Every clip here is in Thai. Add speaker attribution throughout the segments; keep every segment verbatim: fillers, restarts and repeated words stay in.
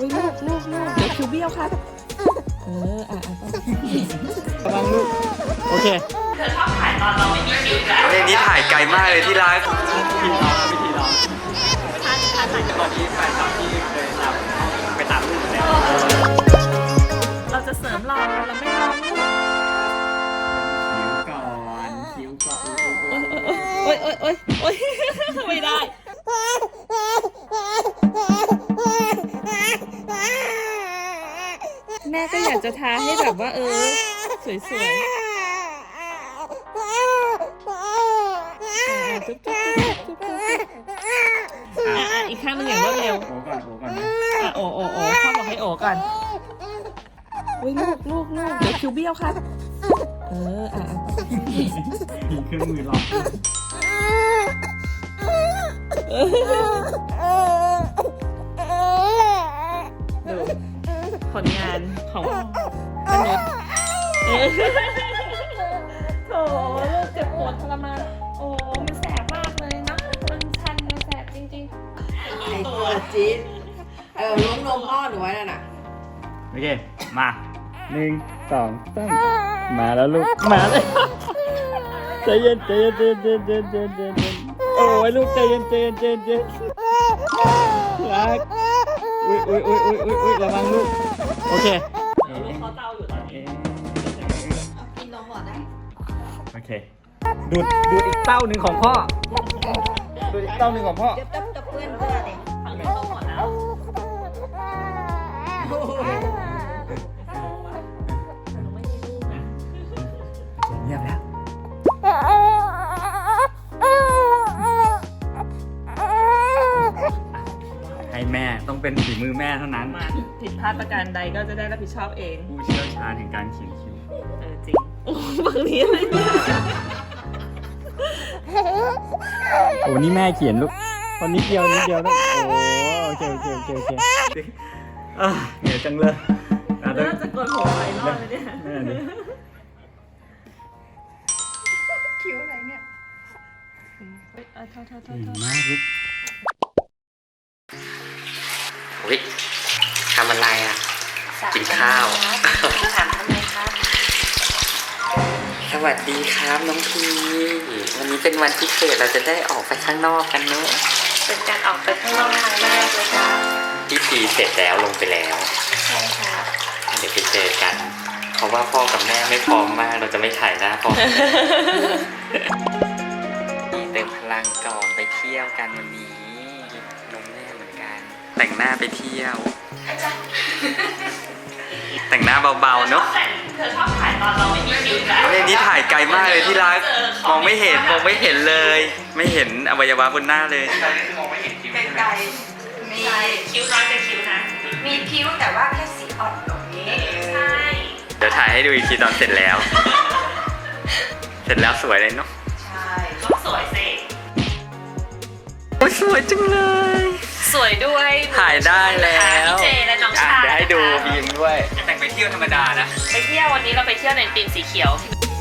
Speaker 1: อุ้ยลูกลูกลูกเดี๋ยวคิวเบี้ยวครับเอออ่ะอ่ะระวังลูกโอเค
Speaker 2: เธอชอบถ่ายตอนเราไม่มีคิวแล้ว
Speaker 3: เรื่องนี้ถ่ายไกลมากเลยที่รัก
Speaker 1: ทีน้องไม่ทีน้อง
Speaker 2: ท่านท่านไหน
Speaker 1: ตอนนี้แฟนคลับที่เคยตามไปตามลูกแล้ว
Speaker 2: เราจะเสริมรอเราไม่รอลูก
Speaker 1: คิ้วก่อนคิ้วก่อน
Speaker 2: โอ๊ยโอ๊ยโอ๊ยโอ๊ยไม่ได้แม่ก็อยากจะท้าให้แบบว่าเออสวยๆจุ๊บจุ๊บจุ๊บจุ๊บอ่ะอีกข้างหนึ่งอย่างรวดเร็ว
Speaker 1: โอ้ก่อนโอ้ก่อนนะ
Speaker 2: อ่ะโอ้โอ้โอ้พ่อบอกให้โอ้ก่อนอุ้ยลูกลูกลูกเดี๋ยวคิวเบี้ยวครับเอออ่ะ
Speaker 1: มีเครื่องมือรอ
Speaker 2: ดูผลงานของมนุษย์โถลูกเจ็บปวดทรมานโอ้มันแสบมากเลยนะมันชันมันแสบจริงๆ
Speaker 4: ไอ้ตัวจี๊ดเออล้วงนมพ่อหนูไว้นั่นน่ะ
Speaker 1: โอเคมาหนึ่งสองสามมาแล้วลูกมาเลยใจเย็นใจเย็นใจเย็นใจเย็นใจเย็นใจเย็นโอ้ยลูกใจเย็นใจเย็นใจเย็นรักอุ้ยอุ้ยอุ้ยอุ้ยอุ้ยอุ้ยระวังลูกโอเค
Speaker 2: ลูกเขาเต้าอยู่ตอนนี้
Speaker 4: กินนมก่อนได้
Speaker 1: โอเคดูดดูดอีกเต้าหนึ่งของพ่อดูดอีกเต้าหนึ่งของพ่อ
Speaker 4: จะจะจะเพื่อนเพื่อนเลย
Speaker 2: ฝั่งนี้เขาหมดแล้ว
Speaker 1: เงียบแล้วให้แม่ต้องเป็นฝีมือแม่เท่านั้น
Speaker 2: มาผิดพลาดประการใดก็จะได้รับผิดชอบเอง
Speaker 1: ผู้เชี่ยวชาญแห่งการเขียนคิ้ว
Speaker 2: เออจริงโอ้บางทีอะไร
Speaker 1: โอ้นี่แม่เขียนลูกตอนนี้เดียวนิดเดียวแล้วโอ้โอเคโอเคโอเคโอเคอ่ะเหนื่อยจังเลย
Speaker 2: เริ่มจะกดหัวไปรอดเลยเนี่ย
Speaker 4: คิ้วอะไรเนี่ย
Speaker 2: เฮ้ยเท่าเท่าเท่า
Speaker 1: เก่งมากลูก
Speaker 3: อุ๊ยทำอะไรอ่ะกินข้าว
Speaker 4: ถามทำไมครับ
Speaker 3: สวัสดีครับน้องพีวันนี้เป็นวันพิเศษเราจะได้ออกไปข้างนอกกันเนอะ
Speaker 4: เป็นการออกไปข้างนอกครั้งแรกเลยครับ
Speaker 3: พิธีเสร็จแล้วลงไปแล้ว
Speaker 4: ใช่ครับ
Speaker 3: เดี๋ยวไปเจอกันเพราะว่าพ่อกับแม่ไม่พร้อมมากเราจะไม่ถ่ายหน้าพ่อเติมพลังก่อนไปเที่ยวกันวันนี้นมแม่เหมือนกันแต่งหน้าไปเที่ยวแต่งหน้าเบาๆเนาะ
Speaker 2: เธอชอบถ่ายตอนเราไม่มีคิวแล้ว
Speaker 3: เรื่องนี้ถ่ายไกลมากเลยที่รักมองไม่เห็นมองไม่เห็นเลยไม่เห็นอวัยวะบนหน้าเลยมองไม่เห็นคิ้ว
Speaker 4: ไกล
Speaker 2: มีคิ้วน้อยเป็นคิ้วนะ
Speaker 4: มีคิ้วแต่ว่าแค่สีอ่อนตรงนี้
Speaker 2: ใช่
Speaker 3: เดี๋ยวถ่ายให้ดูอีกทีตอนเสร็จแล้วเสร็จแล้วสวยเลยเนาะ
Speaker 4: ใช่
Speaker 2: ต้องสวยสิ
Speaker 3: โอ้ยสวยจังเลย
Speaker 2: สวยด้วย
Speaker 3: ถ่ายได้แล้ว
Speaker 2: พี่เจและน้องชาย
Speaker 3: เดี๋ยวให้ดูบีมด้วยแต่งไปเที่ยวธรรมดานะ
Speaker 2: ไปเที่ยววันนี้เราไปเที่ยวในธีมสีเขียว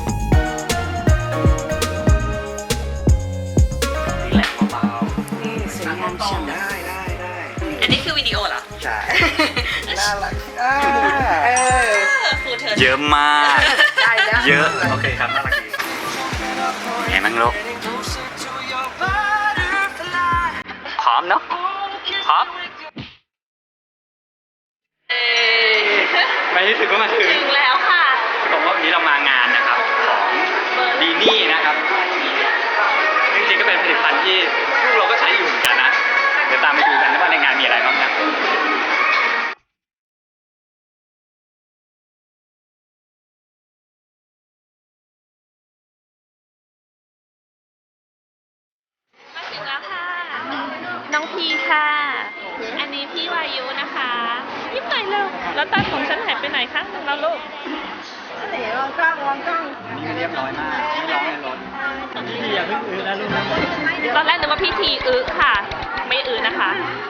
Speaker 3: นี่แหละเบา
Speaker 4: ๆนี่สวยงามฉ่ำได้ได้ได้
Speaker 2: อันนี้คือวิดีโอเหรอ
Speaker 3: ใช่
Speaker 4: น่ารักเออ
Speaker 2: คือเธอ
Speaker 3: เยอะมาก
Speaker 4: ได้แล้ว
Speaker 3: เยอะโอเคครับน่ารักดีไงมั่งลูกพร้อมเนาะพร้อมไม่รู้สึกว่ามาถึง
Speaker 2: ถึงแล้วค่ะ
Speaker 3: ผมว่าวันนี้เรามางานนะครับของดีนี่นะครับจริงๆก็เป็นผลิตภัณฑ์ที่พวกเราก็ใช้อยู่เหมือนกันนะเดี๋ยวตามไปดูกันว่าในงานมีอะไรบ้างนะ
Speaker 2: มาถึงแล้วค่ะน้องพีค่ะอันนี้พี่วายุนะคะยิ้มหน่อยเร็วแล้วตาของฉันหายไปไหนคะเราลูก
Speaker 4: เดี๋ยวลองกล้องลองกล้อง
Speaker 3: นี่เรียบร้อยมากไม่ร้องในรถ
Speaker 1: พี่อย่าเพิ่งอื้อนะลูกนะ
Speaker 2: ตอนแรกนึกว่าพี่ทีอึค่ะไม่อึนะคะ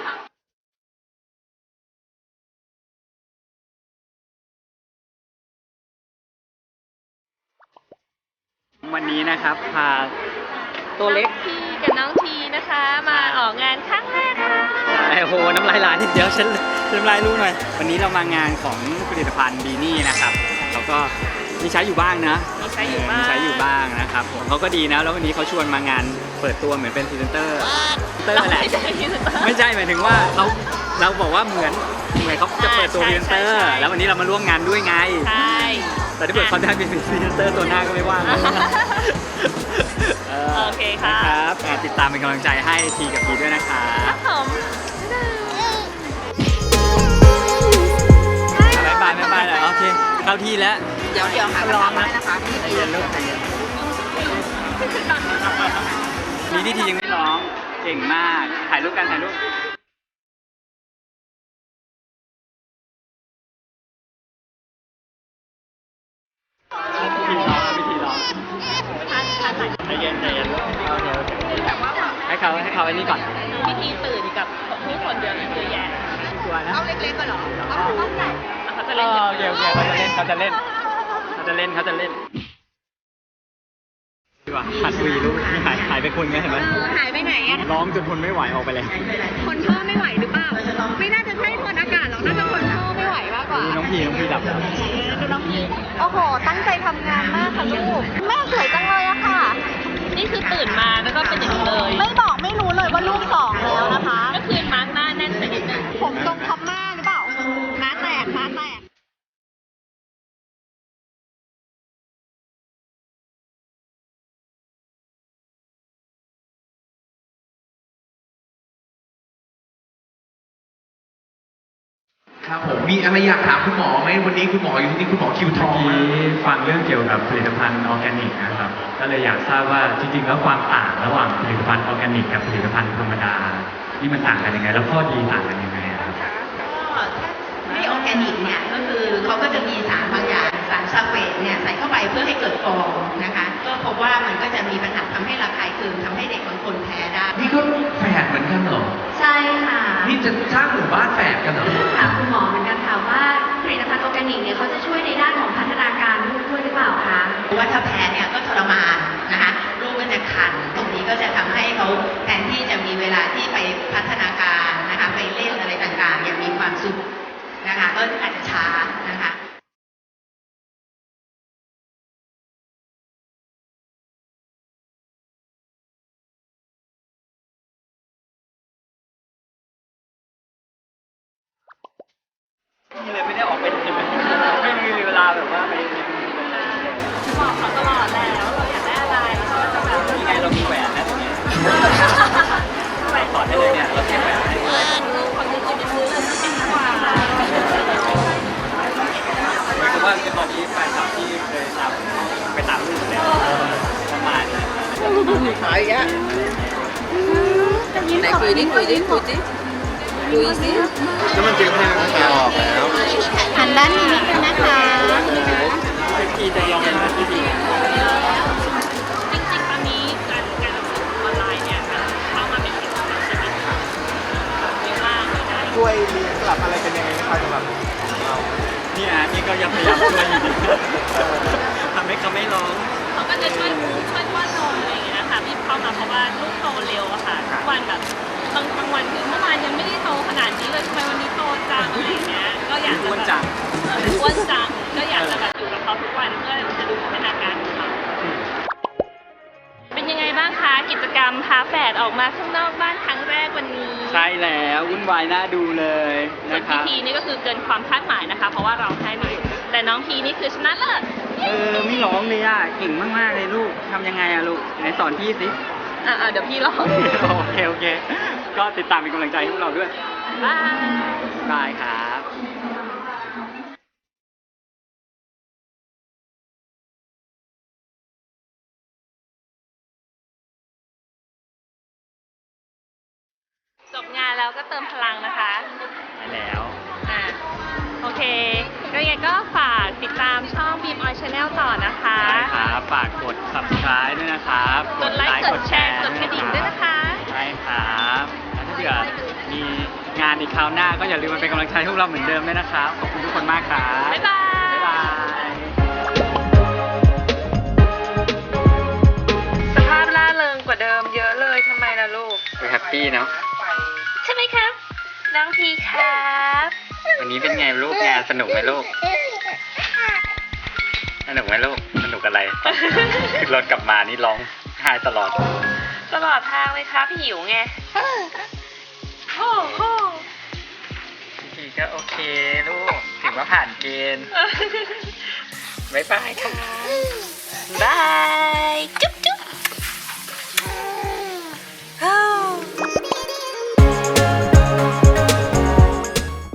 Speaker 1: วันนี้นะครับพาตัวเล็ก
Speaker 2: พี่กับน้องทีนะคะมาออกงานครั้งแรกค่ะ
Speaker 3: อะไรโอ้โหน้ำลายไหลเดี๋ยวฉันฉันน้ำลายรู้หน่อยวันนี้เรามางานของผลิตภัณฑ์ดีนี่นะครับเราก็มีใช้อยู่บ้างนะ
Speaker 2: มีใช้อยู่บ้าง
Speaker 3: มีใช้อยู่บ้างนะครับผมเขาก็ดีนะแล้ววันนี้เขาชวนมางานเปิดตัวเหมือนเป็นพรีเซนเตอร์พรีเซนเตอร์แหละ
Speaker 2: ไม่ใช่พรีเซนเตอร์
Speaker 3: ไม่ใช่หมายถึงว่าเราเราบอกว่าเหมือนเหมือนเขาจะเปิดตัวพรีเซนเตอร์แล้ววันนี้เรามาร่วมงานด้วยไง
Speaker 2: ใช่
Speaker 3: แต่ถ้าเกิดเขาได้เป็นพรีเซนเตอร์ตัวหน้าก็ไม่ว่างนะ
Speaker 2: โอเคค่ะ
Speaker 3: นะครับอ่ะติดตามเป็นกำลังใจให้ทีกับพีด้วยนะคะ
Speaker 2: ครับผม
Speaker 3: บายบายบายบายเลยโอเคเข้าที่แล้ว
Speaker 4: เดี๋ยวเดี๋ยวหากระถางให้นะคะพี่
Speaker 3: ใจเย็นลูกใจเย็นนี่ที่ทียังไม่ร้องเก่งมากถ่ายรูปกันถ่ายรูปวิธีร้องวิธีร้อง
Speaker 2: ท่านท่านไหน
Speaker 3: ใจเย็นใจเย็นโอเคโอเคให้เขาให้เขาไอ้นี่ก่อน
Speaker 2: พิธีตื่นกับผู้คนเดียวเยอะแยะ
Speaker 3: ตัวนะ
Speaker 4: เอาเล็กๆก็เหรอเอาเอาใหญ่
Speaker 2: แล้วเขาจะ
Speaker 3: เอ
Speaker 2: เล่น
Speaker 3: อโอเคโอเคเขาจะเล่นเขาจะเล่นเขาจะเล่นเขาจะเล่นดีกว่าหัดวีลูกนี่หายหายไปคนไงเห็นไหม
Speaker 5: หายไปไหนอะ
Speaker 3: ร้องจนทนไม่ไหวออกไปแล้ว
Speaker 5: คนท่อไม่ไหวหรือเปล่า ไม่น่าจะใช่คนอากาศหรอก น่าจะคนท่อไม่ไหวมากกว่า
Speaker 3: ดูน้องพีน้องพีดับแล้ว
Speaker 5: ดูน้องพีโอ้โห ตั้งใจทำงานมากค่ะลูก แม่สวยจังเลยอะค่ะ
Speaker 2: นี่คือตื่นมาแล้วก็เป็นอย่างนี้เลย
Speaker 5: ไม่บอกไม่รู้เลยว่าลูกสองแล้วนะคะ
Speaker 2: ก็คือมาร์กหน้าแน่นไปนิดนึง
Speaker 5: ผมตรงคอมม่าหรือเปล่าม้าแตกม้าแตก
Speaker 6: ครับผมมีอะไรอยากถามคุณหมอไหมวันนี้คุณหมออยู่ที่นี่คุณหมอคิวทองมา
Speaker 1: ฟังเรื่องเกี่ยวกับผลิตภัณฑ์ออร์แกนิกนะครับ ก็เลยอยากทราบว่าจริงๆแล้วความต่างระหว่างผลิตภัณฑ์ออร์แกนิกกับผลิตภัณฑ์ธรรมดานี่มันต่างกันยังไง แล้วข้อดีต่างกันยังไงครับ
Speaker 4: ก็ไม่ออร์แกนิกเนี่ยก็คือเขาก็จะมีสารบางอย่างสารซัลเฟตเนี่ยใส่เข้าไปเพื่อให้เกิดฟองนะคะก็พบว่ามันก็จะมีปัญหาทำให้ระคายเคืองทำให้เด็กบางคนแพ้ได้
Speaker 6: นี่ก็แฝดเหมือนกันเหรอ
Speaker 5: ใช่ค่ะ
Speaker 6: นี่จะสร้างหมู่บ้านแฝดกันเหรอ
Speaker 5: ถามคุณหมอเหมือนกันค่ะว่าผลิตภัณฑ์ออร์แกนิกเนี่ยเขาจะช่วยในด้านของพัฒนาการลูกด้วยหรือเปล่าคะ
Speaker 4: เพราะว่าถ้าแพ้เนี่ยก็ทรมานนะคะลูกก็จะคันตรงนี้ก็จะทำให้เขาแทนที่จะมีเวลาที่ไปพัฒนาการนะคะไปเล่นอะไรต่างๆ อย่างมีความสุขนะคะก็อาจจะช้านะคะ
Speaker 3: นี่เลยไม่ได้ออกไปไหนไม่มีเวลาแบบว่าไป
Speaker 2: บอกเขาตลอดแล้วเราอยากได้อะไรเราจะแบบ
Speaker 3: นี่ไงเรามีแหวนนะตรงนี้ใส่ถอดได้เลยเนี่ยเราเก็บแหวนให้
Speaker 2: คนที่จะไปซื้อเลยจะเป็นกว่า
Speaker 3: เพราะว่าตอนนี้แฟนคลับที่เคยตามไปตามรูปแล้วประมาณนั้น
Speaker 4: ขายแกไหนคุยดิคุยดิคุยดิคุยสิ
Speaker 6: แล้วมันจึงให้มันแกออกแล้ว
Speaker 5: หันด้านนี้นิดนึงนะคะ
Speaker 3: ทีจะลองเป็นที่ดี
Speaker 2: จริงๆตอนนี้การการรับซื้อออนไลน์เนี่ยเข้ามาเป็นสิบปีใช่ไหมคะเยอะมากเลยนะ
Speaker 6: ช่วยเรียนกลับอะไรเป็นยังไงนะครับสำหรับเรา
Speaker 3: นี่อ่ะนี่ก็ยังพยายามช่วยอยู่ดีทำให้เขาไม่ร้อง
Speaker 2: เขาก็จะช่วยช่วยป้อนนมอะไรอย่างเงี้ยนะคะที่เข้ามาเพราะว่าลูกโตเร็วอะค่ะทุกวันแบบบางบางวันคือเมื่อวานยังไม่ได้โตขนาดนี้เลยทำไมวันนี้โตจังอะไรอย่างเงี้ยก็อยากจะ
Speaker 3: อ้วน
Speaker 2: แบบ
Speaker 3: จัง
Speaker 2: เอออ้วนจังก็อยากจะแบบอยู่กับเขาทุกวันเพื่อจะดูพัฒนาการของเขาเป็นยังไงบ้างคะกิจกรรมพาแฝดออกมาข้างนอกบ้านครั้งแรกวันนี้
Speaker 3: ใช่แล้ววุ่นวายน่าดูเลย
Speaker 2: ส่วน
Speaker 3: นะค
Speaker 2: พี
Speaker 3: รับ
Speaker 2: ทีนี่ก็คือเกินความคาดหมายนะคะ เพราะว่าเราให้ไม่หยุดแต่น้องพีนี่คือชนะเลิศ
Speaker 3: เออไม่ร้องเลยอ่ะเก่งมากๆเลยลูกทำยังไงอ่ะลูกไหนสอนพี่สิ
Speaker 2: อ่าเดี๋ยวพี่ลอง
Speaker 3: โอเคโอเค ก็ติดตามเป็นกำลังใจให้พวกเราด้วย
Speaker 2: บาย
Speaker 3: บายครับ
Speaker 2: จบงานแล้วก็เติมพลังนะคะ
Speaker 3: ไปแล้ว
Speaker 2: อ่าโอเคก็ยังไงก็ฝากติดตามช่อง Beam Oil Channel ต่อนะคะ
Speaker 3: ใช่ครับ ฝากกด subscribe ด้วยนะครับ
Speaker 2: กดไลค์กดแชร์กดกระดิ่งด้วยนะคะ
Speaker 3: ใช่ครับแล้วถ้าเกิดมีงานอีกคราวหน้าก็อย่าลืมมาเป็นกำลังใจให้พวกเราเหมือนเดิมด้วยนะครับ ขอบคุณทุกคนมากครับ
Speaker 2: บ๊ายบาย
Speaker 3: บ๊ายบาย
Speaker 2: สภาพล่าเริงกว่าเดิมเยอะเลยทำไมล่ะลูก
Speaker 3: แฮปปี้เนาะ
Speaker 2: ใช่ไหมครับน้องพีครับ
Speaker 3: วันนี้เป็นไงลูกงานสนุกไหมลูก สนุกไหมลูก สนุกอะไรตอนขึ้นรถกลับมานี่ร้องไห้ตลอด
Speaker 2: ตลอดทางเลยครับหิวไงโอ้โห
Speaker 3: พี่ก็โอเคลูก ถือว่าผ่านเกณฑ์ บ๊ายบายค่ะ
Speaker 2: บาย